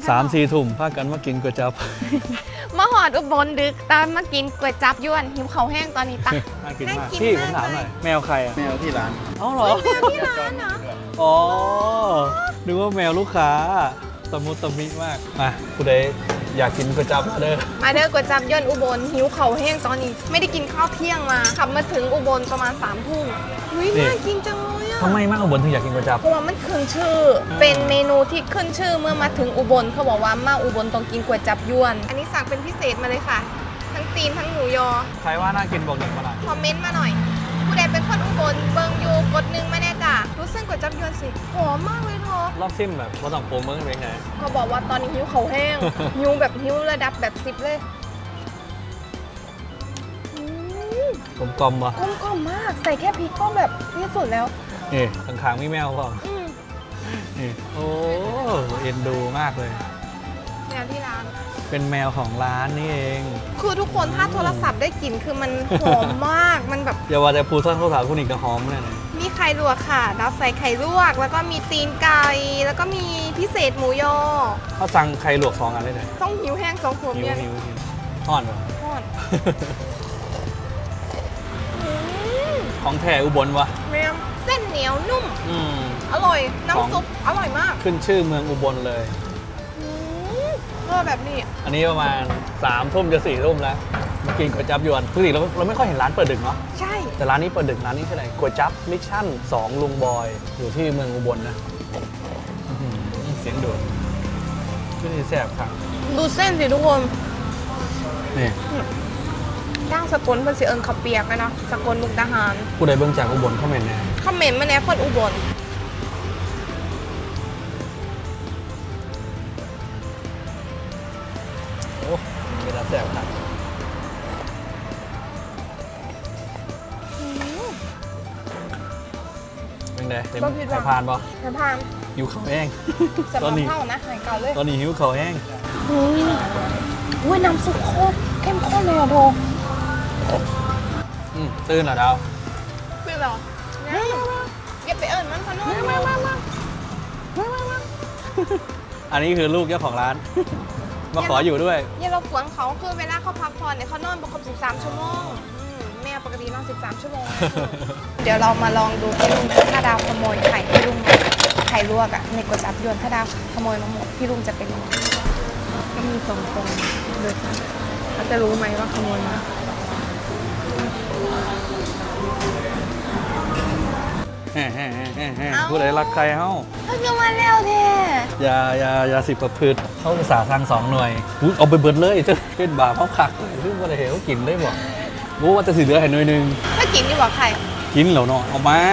3-4 ทุ่มพากันมากินก๋วยจั๊บมาหอดอุบลดึกตามมากินก๋วยจั๊บยวนหิวเขาวแห้งตอนนี้ตักน่ากินมากน่ากินพี่ผมมากถามหน่อยแมวใครอ่ะแมวที่ร้านเอ้าเหรอที่ร้านเหรออ๋อนึกว่าแมวลูกค้าตะมุตะมิมากมาผู้ใดอยากกินก๋วยจั๊บมาเด้อมาเด้อก๋วยจั๊บยวนอุบลหิวเขาวแห้งตอนนี้ ไม่ได้กินข้าวเที่ยงมาขับมาถึงอุบลประมาณ3 ทุ่มอุ้ยน่ากินจังเลยอะทำไมมากอุบลถึงอยากกินก๋วยจั๊บเพราะว่ามันขึ้นชื่อ เป็นเมนูที่ขึ้นชื่อเมื่อมาถึงอุบลเขาบอกว่ามาอุบลต้องกินก๋วยจั๊บยวน อันนี้สั่งเป็นพิเศษมาเลยค่ะ ทั้งตีนทั้งหมูยอใครว่าน่ากินบอกหนึ่งมาหน่อยคอมเมนต์มาหน่อย ผู้ใดเป็นคนอุบลเบิงอยู่กดหนึ่งมาแน่จ้ะรู้เส้นก๋วยจั๊บยวนสิหอมมากเลยเธอรอบซิมแบบว่าต้องโปรเมืองเป็นไงเขาบอกว่าตอนนี้หิวเขาวแห้ง หิวแบบหิวระดับแบบ10เลยอืมกลมกลมๆวะกลมกล่อมมาก ใส่แค่พริกก็แบบที่สุดแล้วนี่ข้างๆมีแมวเปล่าอืมนี่โอ้เอ็นดูมากเลยแนวที่ร้านเป็นแมวของร้านนี่เองคือทุกคนถ้าโทรศัพท์ได้กลิ่นคือมันหอมมาก มันแบบอย่าว่าแต่พูซ่อนข้าวสารคุณอีกกระหอมเลยนะมีไข่ลวกค่ะดาวใส่ไข่ลวก แล้วก็มีตีนไก่ แล้วก็มีพิเศษหมูยอเขาสั่งไข่ลวก2 อันเลยเลยต้องหิวแห้ง2 ขวดหิวเนี่ยหิวหิวอ่อนเหรอทอดอืมของแท้อุบลวะแม่มเส้นเหนียวนุ่มอืมอร่อย น้ำซุปอร่อยมากขึ้นชื่อเมืองอุบลเลยอืมแบบนี้อันนี้ประมาณ3 ทุ่มจะ4 ทุ่มแล้วมากินก๋วยจั๊บยวนปกติเราไม่ค่อยเห็นร้านเปิดดึกเนาะใช่แต่ร้านนี้เปิดดึกร้านนี้คืออะไรก๋วยจั๊บมิชชั่น2ลุงบอยอยู่ที่เมืองอุบลนะอื้อหือเสียงโดดขึ้นที่แซ่บครับดูเส้นสิทุกคนนี่ย่างสกลเป็นสีเอิญขับเปียกเลยเนาะสกลมุกดาหารผู้ใดเบิ่งจากอุบลเข้ามาแน่คอมเมนต์มาแน่คนอุบลโอ้เป็นร้านแซ่บครับเป็นไงเต็มสายพานปะสะพานหิวข้าวแห้งสะพานเข้านะหายเก่าเลยตอนนี้หิวข้าวแห้งอุ้ยน้ำซุปโคตรเข้มข้นเลยอ่ะโบตื่นเหรอดาวคือเหรออย่าไปเอิญมันขนมมาอันนี้คือลูกเจ้าของร้าน มาขออยู่ด้วยอย่าเรากวนเขาคือเวลาเขาพักผ่อนเนี่ยเขานอนประมาณ13 ชั่วโมงแม่ปกตินอน13 ชั่วโมง เดี๋ยวเรามาลองดูพี่ลุงถ้าดาวขโมยไข่พี่ลุงไข่ลวกอะในก๋วยจั๊บยวนถ้าดาวขโมยมาหมดพี่ลุงจะเป็นยังไงก็มี2 คนเลยค่ะเขาจะรู้ไหมว่าขโมยมาผู้ใดรักใครเฮ้าเขาจะมาแล้วแท้อย่าสิประพฤติเขาอุตส่าห์สั่ง2 หน่วยอุ๊ยเอาไปเบิดเลยเจ้าเป็นบาปเขาคักเลยซึ่งว่าได้เห็นเขากินได้บ่รู้ว่าจะสิเหลือให้หน่วยหนึงถ้ากินดีกว่าไข่กินแล้วเนาะเอามา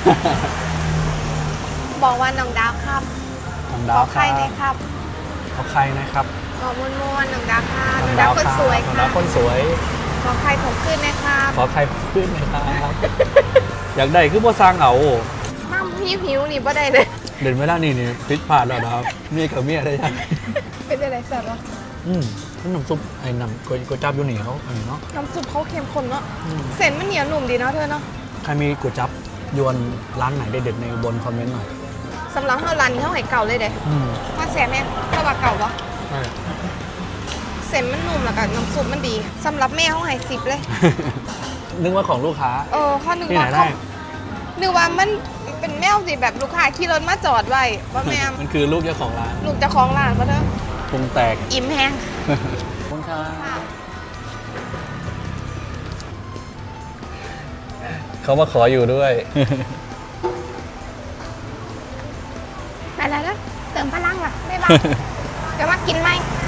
บอกว่าน้องดาวครับน้องขดาอวคไข่รับหน่อยครับเอาใครนะครับขอม้วนๆน้องดาวค่ะน้องดาวคนสวยน้องค่ะดาวคนสวยขอไข่ผมขึ้นนะครับขอใครขึ้นหนะครับ อยากได้คือบ่สร้างเอาน้ำพี่ผิวนี่บ่ได้เลยเด่นไม่ได้นี่พลิกผ่านแล้วนะครับเมียกับเมียได้ยังเป็นอะไรสัตว์วะน้ำซุปไอ้น้ำก๋วยจั๊บอยู่นี่เขาอันนี้เนาะน้ำซุปเขาเข้มข้นเนาะเส้นมันเหนียวหนุ่มดีเนาะเธอเนาะใครมีก๋วยจั๊บยวนร้านไหนเด็ดๆในอุบลคอมเมนต์หน่อยสำหรับเฮาร้านนี้เฮาให้เก่าเลยเด้ มาแซ่บแม่ถ้าว่าเก่าปะใช่เส้นมันนุ่มแล้วก็น้ำซุปมันดีสำหรับแม่เฮาให้10เลยนึกว่าของลูกค้าเขานึกที่ไหว่านได้เขานึกว่ามันเป็นแมวสิแบบลูกค้าขี่รถมาจอดไว้ว่าแม่มันคือลูกเจ้าของร้านลูกเจ้าของร้านปะเธอปรุงแตกอิ่มแห้งขอบคุณครับค่ะเขามาขออยู่ด้วยไปแล้วนะเติมพลังว่ะบ๊ายบาย เดี๋ยวมากินไหม